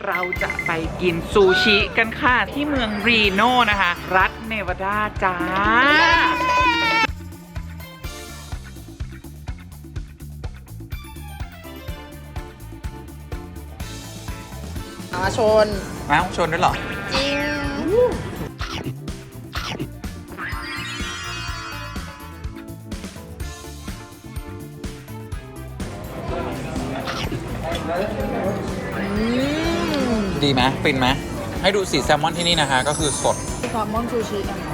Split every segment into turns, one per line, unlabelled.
เราจะไปกินซูชิกันค่ะที่เมืองรีโน่นะคะ รัฐเนวาดาจ้า
มาชน
ชนด้วยเหรอ
จริง
ดีไหมฟินไหมให้ดูสีแซลมอนที่นี่นะคะก็คือสด
แซลมอนซูชิกันนะ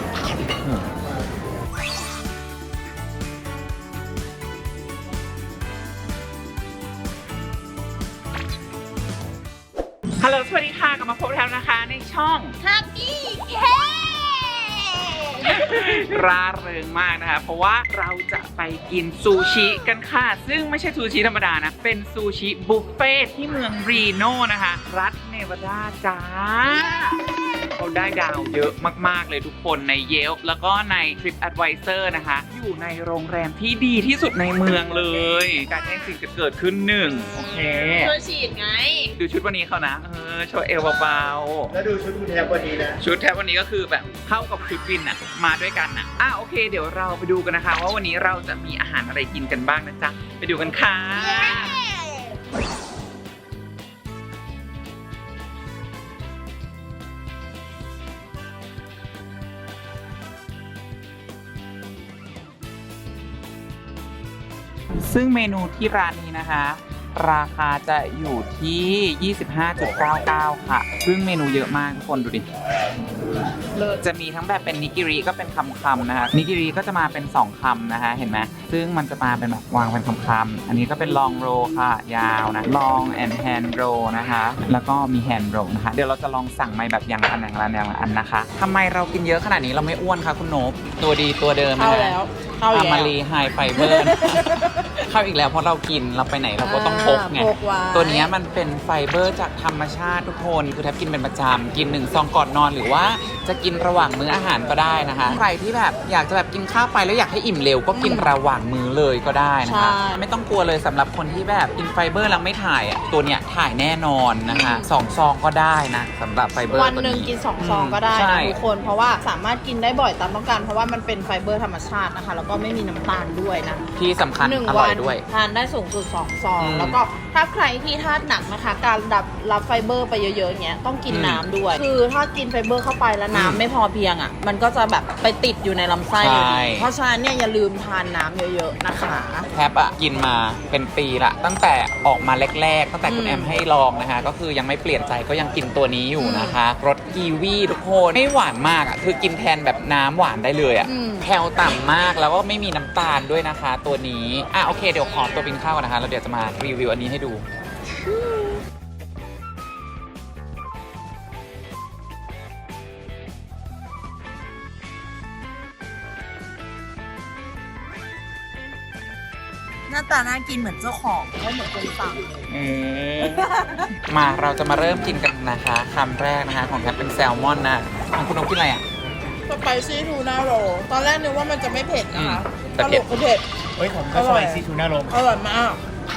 ฮัลโหลสวัสดีค่ะกลับมาพบแล้วนะคะในช่อง
ฮักกี้เค
ร่าเริงมากนะคะเพราะว่าเราจะไปกินซูชิกันค่ะซึ่งไม่ใช่ซูชิธรรมดานะเป็นซูชิบุฟเฟ่ที่เมืองรีโน่นะคะรัฐเนวาดาจ้าเขาได้ดาวเยอะมากๆเลยทุกคนใน Yelp แล้วก็ใน TripAdvisor นะคะอยู่ในโรงแรมที่ดีที่สุดในเมืองเลยการแย่งสิ่งจะเกิดขึ้นหนึ่งโอเค
ช่วยฉีดไง
ดูชุดวันนี้เขานะโชว์เอวเบา
ๆแล้วดูชุดคุณแทบวันนี้นะ
ชุดแทบวันนี้ก็คือแบบเข้ากับชุดวินอะมาด้วยกันนะโอเคเดี๋ยวเราไปดูกันนะคะว่าวันนี้เราจะมีอาหารอะไรกินกันบ้างนะจ๊ะไปดูกันค่ะซึ่งเมนูที่ร้านนี้นะคะราคาจะอยู่ที่ 25.99 ค่ะซึ่งเมนูเยอะมากทุกคนดูดิจะมีทั้งแบบเป็นนิกิริก็เป็นคำๆนะคะนิกิริก็จะมาเป็น2คำนะคะเห็นไหมซึ่งมันจะมาเป็นแบบวางเป็นคำๆอันนี้ก็เป็นลองโรค่ะยาวนะลองแอนด์แฮนด์โรนะคะแล้วก็มีแฮนด์โรนะคะเดี๋ยวเราจะลองสั่งมาแบบอย่างละอันนะคะทำไมเรากินเยอะขนาดนี้เราไม่อ้วนคะคุณโนบตัวดีตัวเดิม
เข้าแล้ว
อามารีไฮไฟเบอร์เข้าอีกแล้วเพราะเรากินเราไปไหนเราก็ต้องพกไงตัวนี้มันเป็นไฟเบอร์จากธรรมชาติทุกคนคือแทบกินเป็นประจำกิน1 ซองก่อนนอนหรือว่าจะกินระหว่างมื้ออาหารก็ได้นะคะใครที่แบบอยากจะแบบกินข้าวไปแล้วอยากให้อิ่มเร็วก็กินระหว่างมื้อเลยก็ได้นะคะไม่ต้องกลัวเลยสำหรับคนที่แบบกินไฟเบอร์แล้วไม่ถ่ายตัวเนี้ยถ่ายแน่นอนนะคะ2 ซองก็ได้นะสำหรับไฟเบอร์
วันหนึ่งกิน2 ซองก็ได้นะทุกคนเพราะว่าสามารถกินได้บ่อยตามต้องการเพราะว่ามันเป็นไฟเบอร์ธรรมชาตินะคะแล้วก็ไม่มีน้ำตาลด้วยนะ
ที่สำคัญอร่อยด้วย
ทานได้สูงสุด2 ซองแล้วก็ถ้าใครที่ธาตุหนักนะคะการรับไฟเบอร์ไปเยอะๆอย่างเงี้ยต้องกินน้ำด้วยคือถ้ากินไฟเบอร์เข้าไปแล้วน้ำไม่พอเพียงอ่ะมันก็จะแบบไปติดอยู่ในลำไส้เพราะฉะนั้นเนี่ยอย่าลืมทานน้ำเยอะๆนะคะ
แทบกินมาเป็นปีละตั้งแต่ออกมาแรกๆตั้งแต่คุณแอมให้ลองนะคะก็คือยังไม่เปลี่ยนใจก็ยังกินตัวนี้อยู่นะคะรสกีวีทุกคนไม่หวานมากคือกินแทนแบบน้ำหวานได้เลยแคลต่ำมากแล้วก็ไม่มีน้ำตาลด้วยนะคะตัวนี้โอเคเดี๋ยวขอตัวกินข้าวก่อนนะคะแล้วเดี๋ยวจะมารีวิวอันนี้ให้ดู
หน้าตาน่ากินเหมือนเจ้าของไม่เหมือนคนสั่ง
มาเราจะมาเริ่มกินกันนะคะคำแรกนะคะของแทบเป็นแซลมอนนะของคุณนกกินอะไร
สไปซี่ทูน่าโรลตอนแรกนึกว่ามันจะไม่เผ็ดนะคะสรุปก็เผ็ด
ผมก็สไปซี่ทูน่าโรล
อร่อยมาก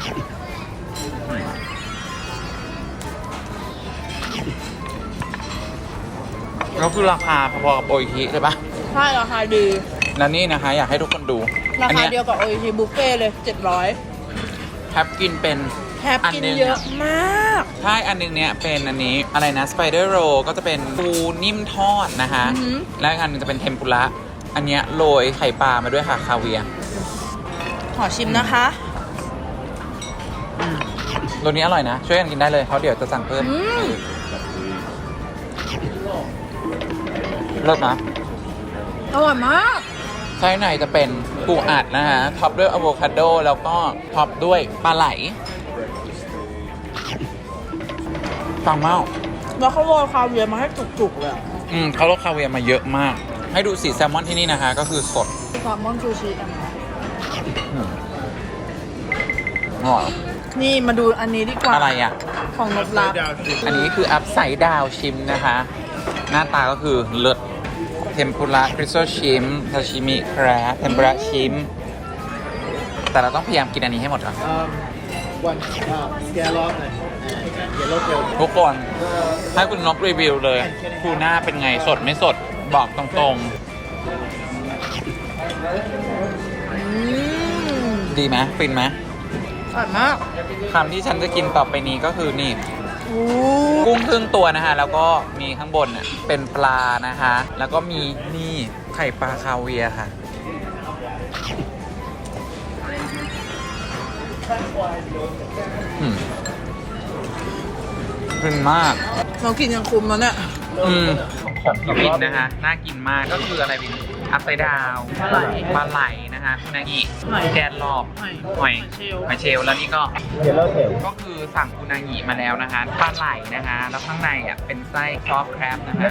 แล้วคือราคาพอๆกับโออิชิใช่ปะ
ใช่ราคาดี
แล้วนี่นะคะอยากให้ทุกคนดู
ราคาเดียวกับโออิชิบุฟเฟ่เลย700
แทบกินเป็น
แทบกินเยอะมาก
ใช่อันนึงเนี้ยเป็นอันนี้อะไรนะสไปเดอร์โรก็จะเป็นปูนิ่มทอดนะคะแล้วอันนึงจะเป็นเทมปุระอันเนี้ยโรยไข่ปลามาด้วยค่ะคาเวียร์
ขอชิมนะคะ
รสนี้อร่อยนะช่วยกันกินได้เลยเพราะเดี๋ยวจะสั่งเพิ่มรสนะ
อร่อยมาก
ไส้ในจะเป็นปูอัดนะฮะท็อปด้วยอะโวคาโดแล้วก็ท็อปด้วยปลาไหลฟังเมา
แล้วเขาโรยคาเวียร์มาให้จุกๆเลย
เขาโรยคาเวียร์มาเยอะมากให้ดูสีแซลมอนที่นี่นะคะก็คือสด
แซลมอนซูชิกันนะนี่มาดูอันนี้ดีกว่า
อะไร
ของนบลับ
อันนี้คืออัพไซด์ดาวชิมนะคะหน้าตาก็คือเลิศเทมปุระคริสโตชิมซาชิมิแครบเทมปุระชิมแต่เราต้องพยายามกินอันนี้ให้หมดก่อน
วันสแกลล็อกเลยเยลโล่เทล
ทุกคนให้คุณนกรีวิวเลยทูน่าเป็นไงสดไม่สดบอกตรงๆ ดีไหมฟินไหม
อร่อยมาก
คำที่ฉันจะกินต่อไปนี้ก็คือนี่ กุ้งครึ่งตัวนะคะ แล้วก็มีข้างบนน่ะเป็นปลานะคะ แล้วก็มีนี่ไข่ปลาคาเวียร์ค่ะฟินมาก
เรากินยังคุ้มแล้วเนี่ย
ของพี่วินนะคะ น่ากินมากก็คืออะไรวินอัพไซด์ดาวปลาไหลนะคะคุณนางิแกนรอบหอยเชลล์แล้วนี่ก็
เยลโล่เทล
ก็คือสั่งอุนางิมาแล้วนะคะปลาไหลนะคะ แล้วข้างในอ่ะเป็นไส้ซอฟต์แครบนะคะ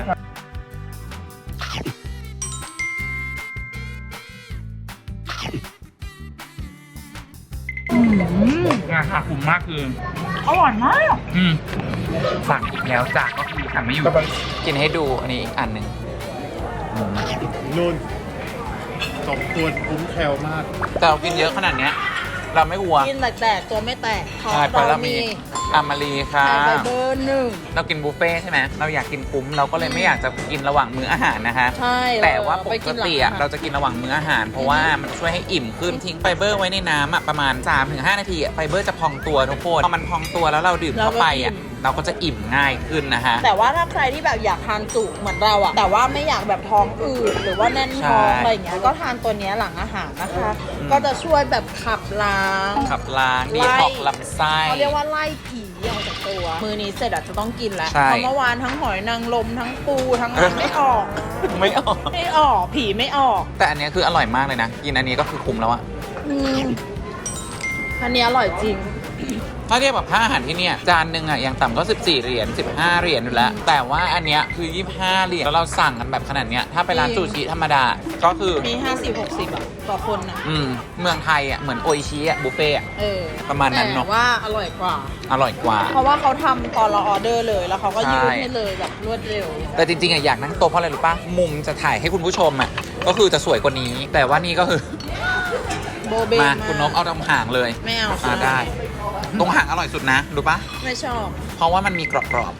ราคาคุ้มมากคือ
อร่อยมาก
สั่งอีกแล้วจ้ะก็คือสั่งไม่อยู่กินให้ดูอันนี้อีกอันหนึ่ง
นู่น2 ตัวคุ้มแคลมาก
แต่เรากินเยอะขนาดเนี้ยเราไม่อ้วน
กินแตกๆตัวไม่แตกเพราะ
ใช่เพราะเรามีอามารีค่ะ
ไข่ไฟเบอร์หนึ่ง
เรากินบุฟเฟ่ต์ใช่ไหมเราอยากกินคุ้มเราก็เลยไม่อยากจะกินระหว่างมื้ออาหารนะคะ
ใช่
แต่ว่าป
ไป
กติอะเราจะกินระหว่างมื้ออาหาร เพราะว่ามันช่วยให้อิ่มขึ้นทิ้งไฟเบอร์ไว้ในน้ำอะประมาณ 3-5 นาทีอะไฟเบอร์จะพองตัวทุกคนพอมันพองตัวแล้วเราดื่มเข้าไปอะเราก็จะอิ่มง่ายขึ้นนะคะ
แต่ว่าถ้าใครที่แบบอยากทานจุเหมือนเราอะแต่ว่าไม่อยากแบบท้องอืดหรือว่าแน่นท้อง
ใช่
อะไรอย่างเงี้ยก็ทานตัวเนี้ยหลังอาหารนะคะ
อืม
ก็จะช่วยแบบขับล้าง
ขับล้างดีท็อกซ์ลำไส้
เขาเรียกว่าไล่ผีออกจากตัว มือนี้เสร็จอาจจะต้องกินแล้ว
ใช่
เพราะเมื่อวานทั้งหอยนางรมทั้งปูทั้งอะไรไม่ออก
ไม่ออก
ไม่ออกผีไม่ออก
แต่อันเนี้ยคืออร่อยมากเลยนะ กินอันนี้ก็คือคุ้มแล้วอะ
อืมอันนี้อร่อยจริง
ถ้าเทียบกับค่าอาหารที่เนี่ยจานหนึ่งอะอย่างต่ำก็14 เหรียญ15 เหรียญอยู่แล้ว แต่ว่าอันเนี้ยคือ25 เหรียญแล้วเราสั่งกันแบบขนาดเนี้ยถ้าไปร้านซูชิธรรมดาก็คือ
มี 50-60อะต่อคนนะ
เมืองไทยอะเหมือนโออิชิอะบุฟเฟ่อะ
เออ
ประมาณนั้นเนอะ
แต่ว่าอร่อยกว่า
อร่อยกว่า
เพราะว่าเขาทำตอนเราออเดอร์เลย แล้วเขาก็ยืด
ใช่
ให้เลยแบบรวดเร็ว
แต่จริงๆอะอยากนั่งโต๊ะเพราะอะไรรู้ป่ะ มุมจะถ่ายให้คุณผู้ชมอะก็คือจะสวยกว่านี้ แต่ว่านี่ก็คือ
โบเบ
มาคุณนกเอาตรงห่างเลย
ไม่เอา
ได้ ตรงห่างอร่อยสุดนะรู้ป่ะ
ไม่ชอบ
เพราะว่ามันมีกรอบ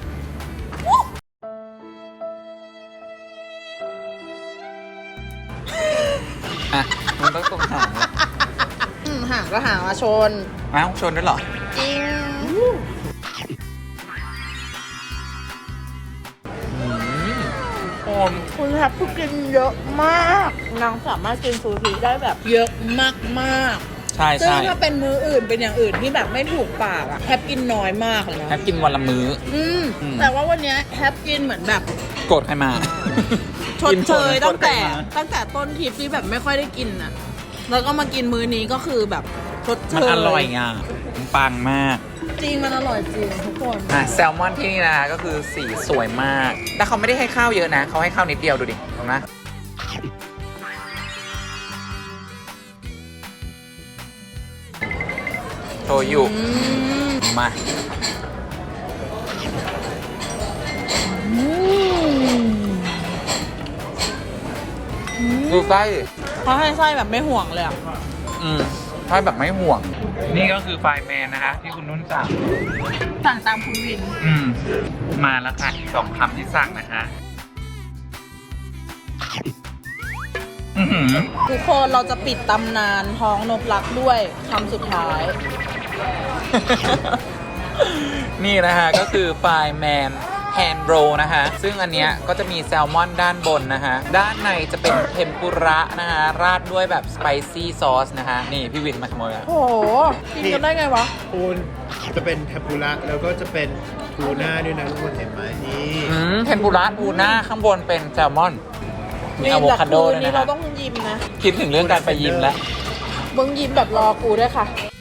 ๆอ่ะมันต้องตรงห่างเลย
ห่างก็ห่างมาชน
อ้าวชนด้วยเหรอ
จริง
โอม
คุณแทบทุกกินเยอะมากนางสามารถกินซูชิได้แบบเยอะมาก
ใช่
ๆซึ่ง
ใช่
ถ้าเป็นมื้ออื่นเป็นอย่างอื่นที่แบบไม่ถูกปากอะแทบกินน้อยมากเลยนะ
แฮปกินวันละมื้อ
อืม
อืม
แต่ว่าวันเนี้ยแทบกินเหมือนแบบ
โกรธใครมา
ชดเชย
กิน
ตั้งแต่
โกรธใครมา
ตั้งแต่ต้นทริปที่แบบไม่ค่อยได้กินอะแล้วก็มากินมื้อนี้ก็คือแบบชดเช
มัน
ย
อร่อยไงมันปังมาก
จริงมันอร่อยจริงทุกคน
แซลมอนที่นี่นะก็คือสีสวยมาก แต่เขาไม่ได้ให้ข้าวเยอะนะ เขาให้ข้าวนิดเดียวดูดิเห็นไหมโชยุ
อืม
มา ดูไส้
เขาให้ไส้แบบไม่ห่วงเลยอะ
ไส้แบบไม่ห่วง นี่ก็คือไฟแมนนะคะ ที่คุณนุ่นสั่ง
สั่งตามคุณวิน
มาแล้วค่ะอีก2 คำที่สั่งนะคะ
ทุกคนเราจะปิดตำนานท้องนกรักด้วยคำสุดท้าย
นี่นะคะก็คือไฟแมนแฮนด์โรนะคะ ซึ่งอันเนี้ยก็จะมีแซลมอนด้านบนนะคะ ด้านในจะเป็นเทมปุระนะคะ ราดด้วยแบบสไปซี่ซอสนะคะ นี่พี่วินมาขโมยแล้ว
โอ้โห กินกันได้ไงวะ
คุณจะเป็นเทมปุระแล้วก็จะเป็นทูน่าด้วยนะทุกคนเห็นไหมนี่
เทมปุระทูน่าข้างบนเป็นแซลมอน มีอะโวคาโด
คื
ด้วย
นี้
นะ
เรา
คะ
ต้องยิ้มนะ
คิดถึงเรื่องการไปยิมแล้ว
มึงยิ้มแบบรอกูด้วยค่ะ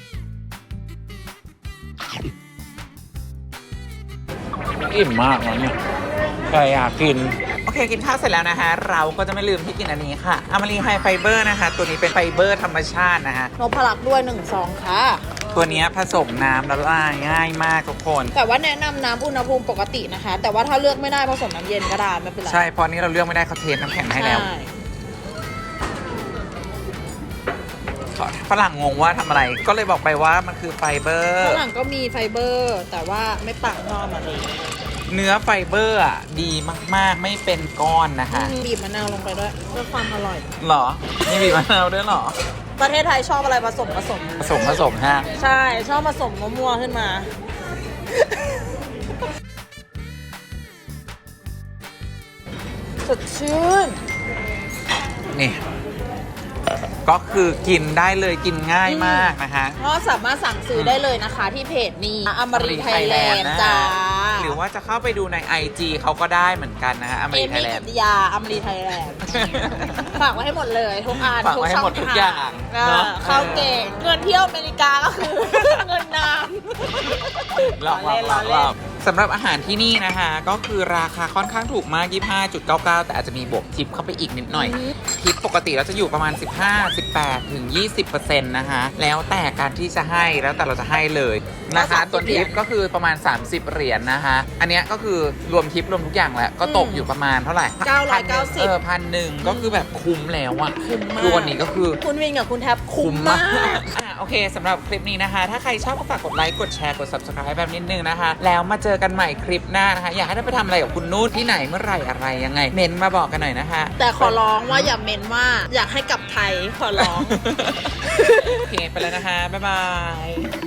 อิ่มมากนะเนี่ยใครอยากกิน โอเคกินข้าวเสร็จแล้วนะคะ เราก็จะไม่ลืมที่กินอันนี้ค่ะอามารีไฮไฟเบอร์นะคะ ตัวนี้เป็นไฟเบอร์ธรรมชาตินะคะ
นพลักษ์ด้วย1 ซองค่ะ
ตัวเนี้ยผสมน้ำละลายง่ายมากทุกคน
แต่ว่าแนะนำน้ำอุณหภูมิปกตินะคะ แต่ว่าถ้าเลือกไม่ได้ผสมน้ำเย็นก็ได้ไม่เป็นไร
ใช่เพราะนี้เราเลือกไม่ได้เขาเทน้ำแข็งให้แล้ว
ใช่
ขอทฝรั่งงงว่าทำอะไร ก็เลยบอกไปว่ามันคือไฟเบอร์
ข้างหลังก็มีไฟเบอร์ แต่ว่าไม่ปักนอกมาเลย
เนื้อไฟเบอร์อ่ะดีมากๆไม่เป็นก้อนนะคะ
บีบมะนาวลงไปด้วยเพื่อความอร่อย
หรอมีบีบมะนาวด้วยเหรอ
ประเทศไทยชอบอะไรผสม
ผสมฮะ
ใช่ ชอบผสมมั่วๆขึ้นมา สดชื่น
นี่ ก็คือกินได้เลยกินง่ายมากนะคะ
ก็สามารถสั่งซื้อได้เลยนะคะที่เพจนี้อมรินไทยแลนด์
นะ
จ้า
หรือว่าจะเข้าไปดูใน IG เขาก็ได้เหมือนกันนะฮะอเม
เอ
ริไท
มี่
ยแลน
กิ
ด์
ตยาอมรินไทยแลนด์ ฝากไว้ให้หมดเลยทุกอัน
ฝากไว้ให้หมดทุกอย่าง
เออ
เนอะ
เข้าเก่งเงินเที่ยวอเมริกาก็คือ เงินน้ำ
หลอกสำหรับอาหารที่นี่นะคะ ก็คือราคาค่อนข้างถูกมาก 25.99 แต่อาจจะมีบวกทิปเข้าไปอีกนิดหน่อย ทิปปกติเราจะอยู่ประมาณ 15 18 ถึง 20% นะคะ แล้วแต่การที่จะให้แล้วแต่เราจะให้เลยนะคะ
30
ตัวทิปก็คือประมาณ 30 เหรียญนะคะ อันเนี้ยก็คือรวมทิปรวมทุกอย่างแล้วก็ตกอยู่ประมาณเท่าไหร่
990
1,000 ก็คือแบบคุ้มแล้วอะ
คุ้มมาก
คือวันนี้ก็คือ
คุณวินกับคุณแท็บคุ้มมาก
โอเคสำหรับคลิปนี้นะคะ ถ้าใครชอบก็ฝากกดไลค์ กดแชร์ กด subscribe แบบนิดนึงนะคะ แล้วมาเจอกันใหม่คลิปหน้านะคะ อยากให้ได้ไปทำอะไรกับคุณนุ่นที่ไหนเมื่อไหร่อะไรยังไง เมนต์มาบอกกันหน่อยนะคะ
แต่ขอร้องว่าอย่าเมนว่าอยากให้กลับไทยขอร้อง
โอเค ไปแล้วนะคะ บ๊ายบาย